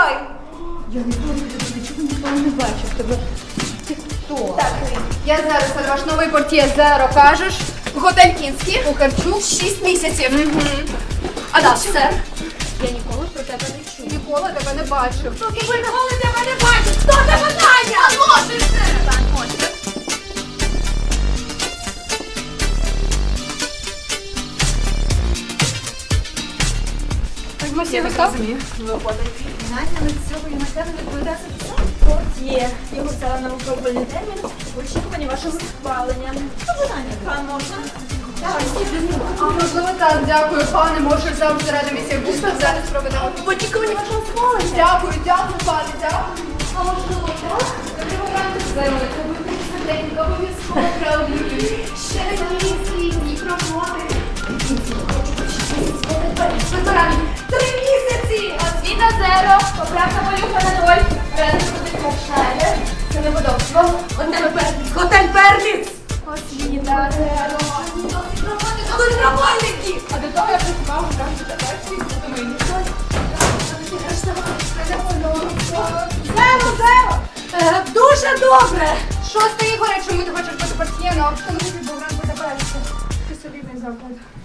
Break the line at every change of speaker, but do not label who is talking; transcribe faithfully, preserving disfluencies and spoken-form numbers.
відкривай.
Я не знаю, чого ніхто не бачив тебе. Ти хто?
Так, я зараз ваш новий портьє Зеро, кажеш. Готель Кінський, у Карчук, шість місяців. Угу. А да, все.
Я ніколи про тебе не чула.
Ніколи тебе не бачив.
Хто тебе ніколи тебе не бачив? Хто тебе знає?
А можеш ти? Так, можеш.
Я так розумію.
Наняли цього юнака не відповідати портьє. Його взяла на випробувальний термін в очікуванні вашого схвалення. Що ви наняли? Пан можна? Давай, стій.
А можливо так, дякую, пане, може завжди рада місія Густа зараз проведемо.
В очікуванні вашого схвалення.
Дякую, дякую, пане, дякую. А можливо так? Доброго ранку, Зеро, це буде швиденько, обов'язково правлюю. Ще місяці, ні роботи. Три місяці!
Освіта зеро, поправка малюка на ноль. Ради буде Маршаля. Це неподобство. Готель Перліц. Готель Перліц!
Освіта, Зеро.
Тут работники!
А до того я працював у кафе Таперській, тому мені щось.
Зеро, зеро! Е, Дуже добре!
Шосте, Ігоре, чому ти хочеш бути портьєном? Тому що був ранку Таперський. Ти собі не забудь.